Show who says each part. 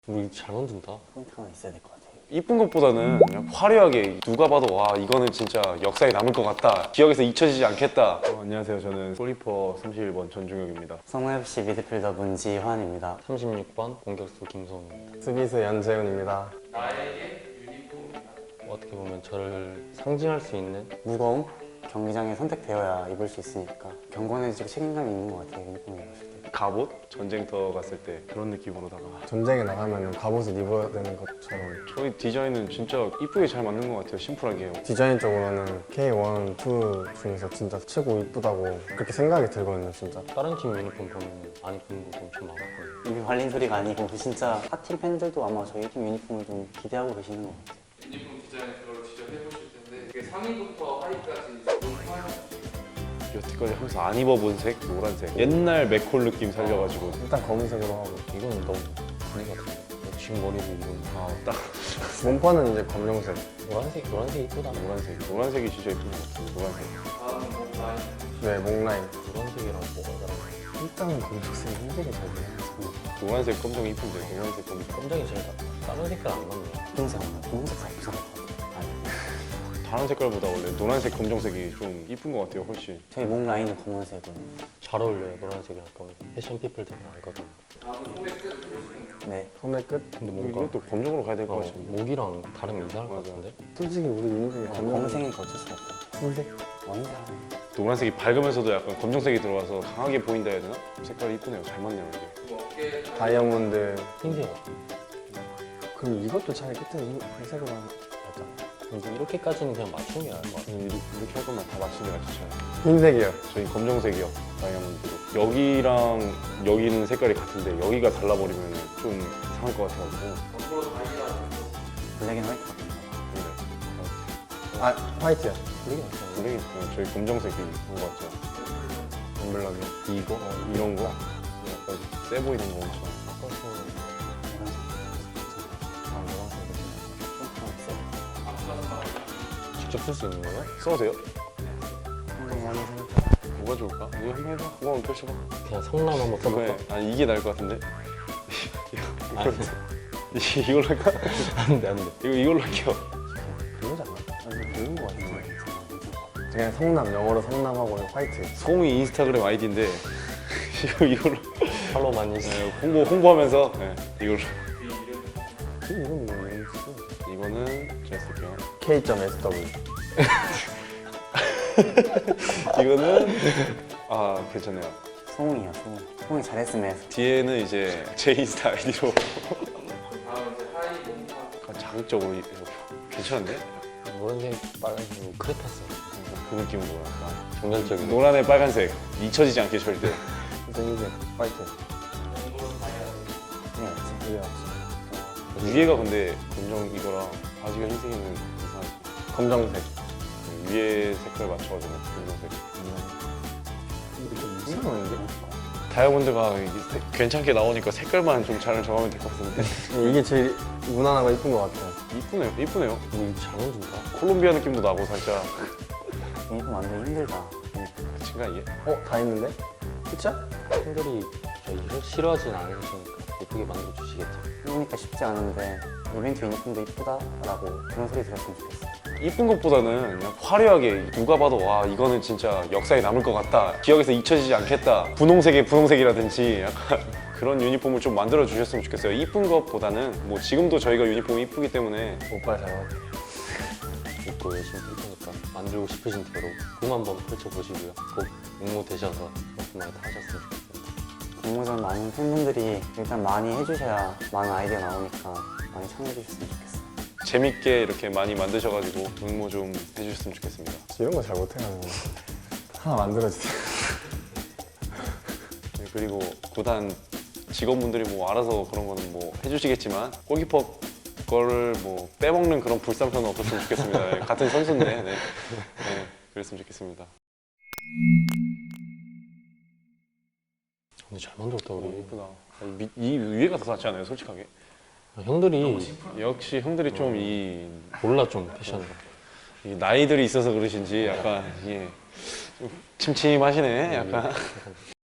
Speaker 1: 우리 잘 만든다.
Speaker 2: 포인트 하나 있어야 될 것 같아요.
Speaker 3: 이쁜 것보다는 그냥 화려하게 누가 봐도 와 이거는 진짜 역사에 남을 것 같다, 기억에서 잊혀지지 않겠다. 안녕하세요, 저는 골키퍼 31번 전중혁입니다.
Speaker 2: 성모FC 미드필더 문지환입니다.
Speaker 1: 36번 공격수 김성우입니다.
Speaker 4: 수비수 연재훈입니다.
Speaker 1: 어떻게 보면 저를 상징할 수 있는
Speaker 2: 무거움? 경기장에 선택되어야 입을 수 있으니까 경건해지고 책임감이 있는 것 같아요. 유니폼을 입었을 때.
Speaker 3: 갑옷? 전쟁터 갔을 때 그런 느낌으로다가
Speaker 4: 전쟁에 나가면 갑옷을 입어야 되는 것처럼
Speaker 3: 저희 디자인은 진짜 이쁘게 잘 만든 것 같아요. 심플하게요.
Speaker 4: 디자인 쪽으로는 K1, 2 중에서 진짜 최고 이쁘다고 그렇게 생각이 들거든요, 진짜.
Speaker 1: 다른 팀 유니폼 보면 안 이쁜 것도 엄청 많았거든요.
Speaker 2: 입이 발린 소리가 아니고 진짜 타팀 팬들도 아마 저희 팀 유니폼을 좀 기대하고 계시는 것 같아요.
Speaker 5: 유니폼 디자인 그걸 직접 해보실 텐데 그게 상의부터 하의까지
Speaker 3: 여태까지 항상 안 입어본 색, 노란색. 옛날 맥콜 느낌 살려가지고
Speaker 4: 일단 검은색으로 하고
Speaker 1: 이거는 너무 분위기 같은데. 지금 머리를 이건
Speaker 3: 딱
Speaker 4: 몸판은 이제 검정색.
Speaker 1: 노란색 이쁘다.
Speaker 3: 노란색이 진짜 예쁜 것 같아요. 노란색.
Speaker 5: 다음 뭐 라인
Speaker 4: 네, 목라인.
Speaker 1: 노란색이랑 뭐가 다른가?
Speaker 4: 일단은 검정색 흰색이 잘 돼요.
Speaker 3: 노란색 검정 이쁜데 노란색 검정.
Speaker 1: 검정이 제일 다른 색깔 안 맞네요.
Speaker 2: 분홍색 안 나요? 분홍색 잘 부상할 것 같아요. 아니,
Speaker 3: 다른 색깔보다 원래 노란색 검정색이 좀 이쁜 것 같아요, 훨씬.
Speaker 2: 저희 목 라인은 검은색으로.
Speaker 1: 잘 어울려요, 노란색이랑 검은색. 패션 피플들은 알거든요.
Speaker 5: 다음은 소매 끝 해보시면
Speaker 2: 네.
Speaker 4: 소매 끝.
Speaker 1: 근데 뭔가
Speaker 3: 이것도 검정으로 가야 될 것
Speaker 1: 어,
Speaker 3: 같은데.
Speaker 1: 목이랑 다르면 이상할 것
Speaker 3: 맞아.
Speaker 1: 같은데?
Speaker 4: 솔직히 우리 유니폼이
Speaker 2: 검은색이니까 어쩔 수 없다.
Speaker 4: 흰색.
Speaker 2: 원이야.
Speaker 3: 노란색이 밝으면서도 약간 검정색이 들어가서 강하게 보인다 해야 되나? 색깔이 이쁘네요. 잘 맞네요, 이게.
Speaker 5: 어깨
Speaker 4: 다이아몬드.
Speaker 1: 흰색.
Speaker 4: 그럼 이것도 차라리 끝에 흰색으로 하면
Speaker 1: 맞아. 이거 이렇게까지는 그냥 맞춘 게 나을 것 같아.
Speaker 3: 이렇게 할 거면 다 맞춘 게 낫죠.
Speaker 4: 흰색이요.
Speaker 3: 저희 검정색이요, 다이아몬드로. 여기랑 여기는 색깔이 같은데 여기가 달라버리면 좀 이상할 것 같아가지고.
Speaker 5: 앞으로 다이아
Speaker 2: 블랙 앤 화이트 같은 거.
Speaker 4: 아, 화이트요.
Speaker 1: 블랙이 낫잖아.
Speaker 3: 블랙이 저희 검정색이 좋은 것 같죠.
Speaker 4: 엠블럼이.
Speaker 3: 이거? 이런 거? 약간 세 보이는 거 엄청.
Speaker 2: 아, 노란색.
Speaker 1: 직접 쓸 수 있는 거예요?
Speaker 3: 써도 돼요?
Speaker 2: 한번 한번 생각해.
Speaker 3: 뭐가 좋을까? 이거 한번 해봐. 그거 한번 펼쳐봐.
Speaker 1: 그냥 성남 한번 써볼까?
Speaker 3: 이거에, 아니 이게 나을 것 같은데?
Speaker 1: 안
Speaker 3: 이걸로 할까?
Speaker 1: 돼.
Speaker 3: 이걸로 할게요.
Speaker 4: 별로지 않아?
Speaker 2: 아니, 좋은 것 같은데.
Speaker 4: 그냥 성남, 영어로 성남하고 화이트.
Speaker 3: 송이 인스타그램 아이디인데 이걸로
Speaker 1: 팔로우 많이 해주세요.
Speaker 3: 네, 홍보하면서 네, 이걸로.
Speaker 4: 이건 뭐예요?
Speaker 3: 이거는 제가 쓸게요.
Speaker 4: K.SW.
Speaker 3: 이거는 아 괜찮네요.
Speaker 2: 소홍이야, 소홍. 소홍이 잘했으면 해서.
Speaker 3: 뒤에는 이제 제 인스타 아이디로
Speaker 5: 다음 이제 하의 몸판
Speaker 3: 자극적으로 괜찮은데?
Speaker 1: 노란색, 빨간색, 크레파스.
Speaker 3: 그 느낌으로 약간
Speaker 1: 정열적인.
Speaker 3: 노란에 빨간색 잊혀지지 않게 절대.
Speaker 4: 흰색, 화이트.
Speaker 2: 그게 낫지.
Speaker 4: 이게 낫지.
Speaker 3: 위에가 근데 검정 이거랑 바지가 흰색이면 이상하지.
Speaker 4: 검정색.
Speaker 3: 위에 색깔 맞춰가지고 검정색.
Speaker 4: 이게 좀 이상한데?
Speaker 3: 다이아몬드가 이게 괜찮게 나오니까 색깔만 좀 잘 정하면 될 것 같은데.
Speaker 4: 이게 제일 무난하고 이쁜 것 같아요.
Speaker 3: 이쁘네요. 이쁘네요.
Speaker 1: 우리 잘 만든다.
Speaker 3: 콜롬비아 느낌도 나고 살짝.
Speaker 2: 유니폼 만들기 힘들다.
Speaker 3: 그친가 이게?
Speaker 4: 다 있는데? 그쵸?
Speaker 1: 팬들이 저희 싫어하진 않으시니까 예쁘게 만들어주시겠죠.
Speaker 2: 해보니까 쉽지 않은데 이벤트 유니폼도 이쁘다라고 그런 소리 들었으면 좋겠어.
Speaker 3: 이쁜 것보다는 그냥 화려하게 누가 봐도 와 이거는 진짜 역사에 남을 것 같다, 기억에서 잊혀지지 않겠다, 분홍색의 분홍색이라든지 약간 그런 유니폼을 좀 만들어 주셨으면 좋겠어요. 이쁜 것보다는 뭐 지금도 저희가 유니폼이 이쁘기 때문에
Speaker 4: 오빠 잘 맞아.
Speaker 1: 입고 열심히 할 테니까 만들고 싶으신 대로 꿈 한번 펼쳐보시고요. 꼭 응모 되셔서 많이 다 하셨으면 좋겠습니다.
Speaker 2: 공모전 많은 팬분들이 일단 많이 해주셔야 많은 아이디어 나오니까 많이 참여해주셨으면 좋겠어.
Speaker 3: 재밌게 이렇게 많이 만드셔가지고 응모 좀 해주셨으면 좋겠습니다.
Speaker 4: 이런 거 잘 못해가지고. 하나 만들어주세요.
Speaker 3: 네, 그리고 구단 직원분들이 뭐 알아서 그런 거는 뭐 해주시겠지만 골키퍼 거를 뭐 빼먹는 그런 불상사는 없었으면 좋겠습니다. 네, 같은 선수인데 네, 그랬으면 좋겠습니다.
Speaker 1: 근데 잘 만들었다 우리.
Speaker 3: 이쁘다. 이 위에가 더 낫지 않아요, 솔직하게?
Speaker 1: 형들이
Speaker 3: 역시 형들이 좀 이
Speaker 1: 몰라 좀 패션을.
Speaker 3: 나이들이 있어서 그러신지 약간 이게 좀 침침하시네, 약간.